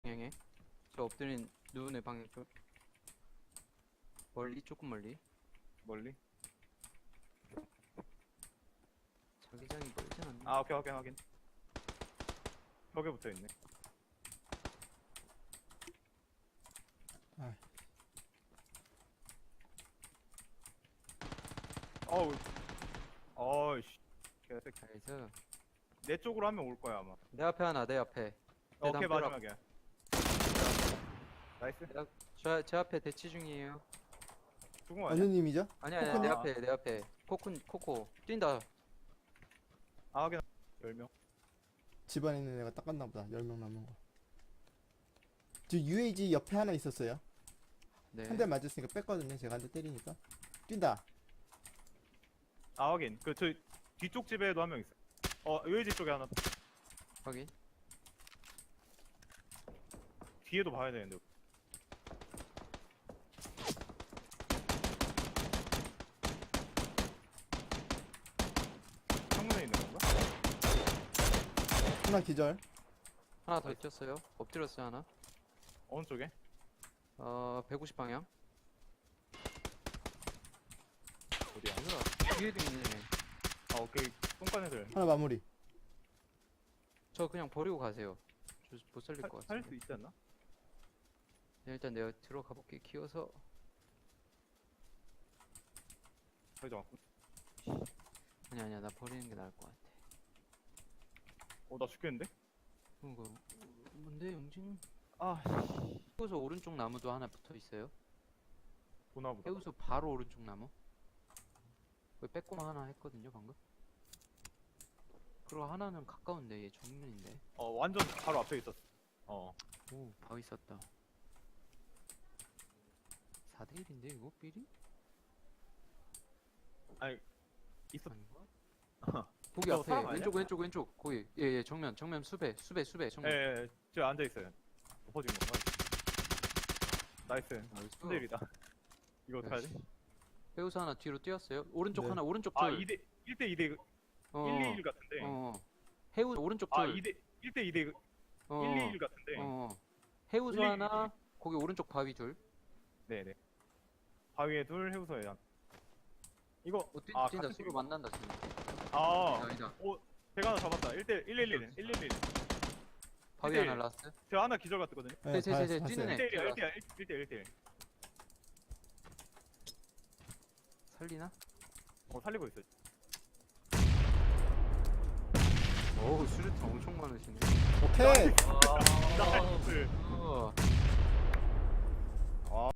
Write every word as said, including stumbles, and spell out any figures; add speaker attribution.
Speaker 1: 방향에. 저 엎드린 누운의 방향 쪽. 멀리, 조금 멀리.
Speaker 2: 멀리?
Speaker 1: 자기장이 멀진 않네.
Speaker 2: 아 오케이 확인 확인. 벽에 붙어있네.
Speaker 3: 아.
Speaker 2: 어우 어이씨 개새끼.
Speaker 1: 나이스.
Speaker 2: 내 쪽으로 한 명 올 거야 아마.
Speaker 1: 내 앞에 하나, 내 앞에.
Speaker 2: 어, 오케이
Speaker 1: 담벼락.
Speaker 2: 마지막이야. 나이스.
Speaker 1: 저, 제 앞에 대치 중이에요.
Speaker 2: 죽은 거
Speaker 3: 어느
Speaker 2: 아니야?
Speaker 3: 님이죠?
Speaker 1: 아니, 아니, 내
Speaker 2: 코코님?
Speaker 1: 앞에, 내 앞에. 코쿤, 코코. 뛴다.
Speaker 2: 아 확인. 열 명.
Speaker 3: 집안에 있는 애가 닦았나 보다. 열 명 남은 거. 저 유에이지 옆에 하나 있었어요.
Speaker 1: 네.
Speaker 3: 한 대 맞았으니까 뺐거든요. 제가 한 대 때리니까. 뛴다.
Speaker 2: 아 확인. 그 저 뒤쪽 집에도 한 명 있어. 어 유해지 쪽에 하나.
Speaker 1: 확인.
Speaker 2: 뒤에도 봐야 되는데. 창문에 있는 건가?
Speaker 3: 하나 기절.
Speaker 1: 하나 더 뛰었어요. 엎드렸어요, 하나.
Speaker 2: 어느 쪽에?
Speaker 1: 어, 백오십 방향.
Speaker 2: 어디야?
Speaker 1: 뭐야? 뒤에도 있네.
Speaker 2: 아 오케이. 똥간 애들.
Speaker 3: 하나 마무리.
Speaker 1: 저 그냥 버리고 가세요. 저 못 살릴 것 같아.
Speaker 2: 살 수 있지 않나?
Speaker 1: 네, 일단 내가 들어가 볼게. 키워서.
Speaker 2: 거의 좀.
Speaker 1: 아니 아니야, 나 버리는 게 나을 것 같아.
Speaker 2: 어나 죽겠는데?
Speaker 1: 이거 뭔데, 영진?
Speaker 2: 아
Speaker 1: 해우소 오른쪽 나무도 하나 붙어 있어요.
Speaker 2: 보나보다.
Speaker 1: 해우소 바로 오른쪽 나무. 거기 빼꼼 하나 했거든요, 방금. 그리고 하나는 가까운데 얘 정면인데.
Speaker 2: 어 완전 바로 앞에 있었어. 어.
Speaker 1: 오, 바위 있었다. 사 대 일인데 이거 삐리?
Speaker 2: 아니 있었.
Speaker 1: 아닌가? 거기
Speaker 2: 저거
Speaker 1: 앞에
Speaker 2: 사람 아니야?
Speaker 1: 왼쪽 왼쪽 왼쪽 거기 예예 정면 정면 수배 수배 수배 정면.
Speaker 2: 예, 예, 저 앉아 있어요. 엎어진 건가? 나이스.
Speaker 1: 나이스.
Speaker 2: 삼 대 일이다. 이거 어떡하지?
Speaker 1: 역시. 해우소 하나 뒤로 뛰었어요. 오른쪽
Speaker 3: 네.
Speaker 1: 하나 오른쪽
Speaker 2: 아,
Speaker 1: 둘.
Speaker 2: 이 대 일 대 이 대
Speaker 1: 어,
Speaker 2: 일 이 일 같은데.
Speaker 1: 어. 해우소 오른쪽
Speaker 2: 아,
Speaker 1: 둘.
Speaker 2: 이 대 일 대 이 대
Speaker 1: 어,
Speaker 2: 일 이 일 같은데.
Speaker 1: 어. 해우소
Speaker 2: 일 이 일.
Speaker 1: 하나 거기 오른쪽 바위 둘.
Speaker 2: 네, 네. 바위에 둘, 해우소에 한. 이거
Speaker 1: 어, 뛴,
Speaker 2: 아,
Speaker 1: 뛴다
Speaker 2: 같은
Speaker 1: 서로
Speaker 2: 팀이구나.
Speaker 1: 만난다 지금.
Speaker 2: 아,
Speaker 1: 아니다.
Speaker 2: 오, 제가 하나 잡았다. 일 대 일 일 일. 일 일 일.
Speaker 1: 바위
Speaker 2: 일 대 일.
Speaker 1: 하나 라스트.
Speaker 2: 제가 하나 기절 같거든요.
Speaker 3: 네,
Speaker 1: 네, 네, 네,
Speaker 3: 봤-
Speaker 1: 뛰는
Speaker 3: 봤어요.
Speaker 1: 애.
Speaker 2: 일 대 일이야. 일 대 일. 일 대 일 대 일.
Speaker 1: 살리나?
Speaker 2: 어, 살리고 있어.
Speaker 1: 어우 수류탄 엄청 많으시네.
Speaker 3: 오케이.
Speaker 2: 나이스.